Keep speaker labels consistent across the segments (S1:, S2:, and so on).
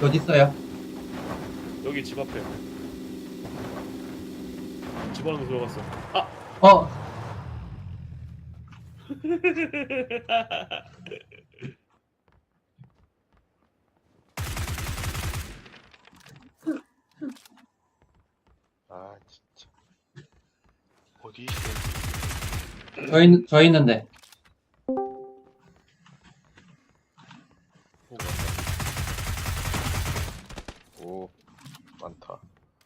S1: 어디 있어요?
S2: 여기 집 앞에. 집 안으로 들어갔어. 아!
S1: 어,
S3: 아 진짜 어디 있어?
S1: 저 있는데.
S2: 보고 왔다.
S3: 오 많다.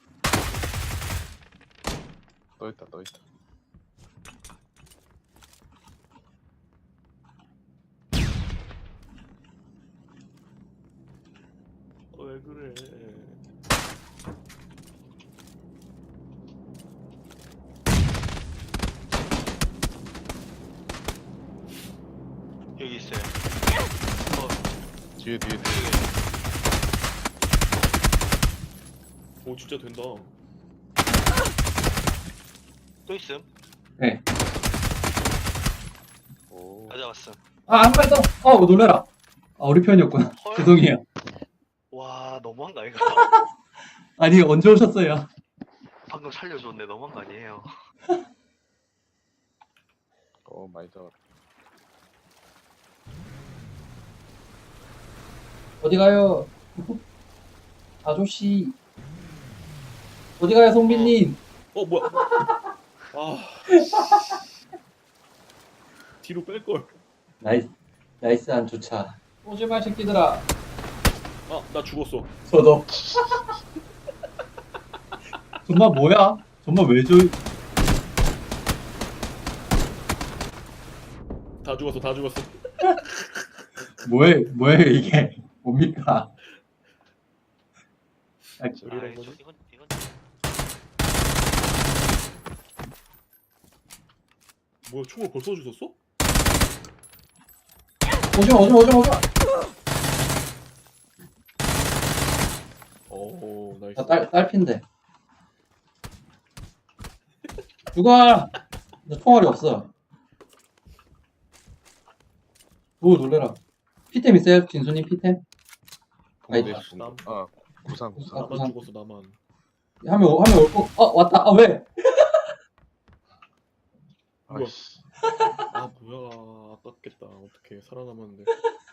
S3: 또 있다 또 있다.
S2: 왜 그래?
S3: 여기 있어요. 뒤에.
S2: 오 진짜 된다.
S3: 또 있음.
S1: 네.
S3: 오. 가져왔음.
S1: 아, 한 발 더. 놀래라. 우리 편이었구나.
S3: 헐.
S1: 죄송해요.
S3: 와 너무한 거 아이가?
S1: 아니, 언제 오셨어요?
S3: 방금 살려줬네. 너무한 거 아니에요? 많이 잡았다.
S1: 어디 가요? 아저씨. 어디 가요, 송빈님?
S2: 뭐야? 아. 뒤로 뺄 걸.
S1: 나이스한 주차. 오지마, 새끼들아.
S2: 아, 나 죽었어.
S1: 저도. 정말 뭐야? 정말 왜
S2: 다 죽었어. 다 죽었어.
S1: 뭐예요, 이게? 뭡니까?
S2: 우리랑 뭐지?
S3: 이건
S2: 뭐야? 총을 벌써 주셨어?
S1: 오지마.
S2: 오, 나이스.
S1: 딸핀데. 죽어! 나 총알이 없어. 놀래라. 피템 있어요? 진수님 피템?
S3: 붕대
S1: 아니다.
S3: 붕대. 아 구상.
S2: 나만
S1: 구상.
S2: 죽었어. 나만.
S1: 하면 올 거. 왔다. 왜?
S2: 뭐야?
S3: 아이씨.
S2: 아 뭐야? 아깝겠다. 어떻게 살아남았는데?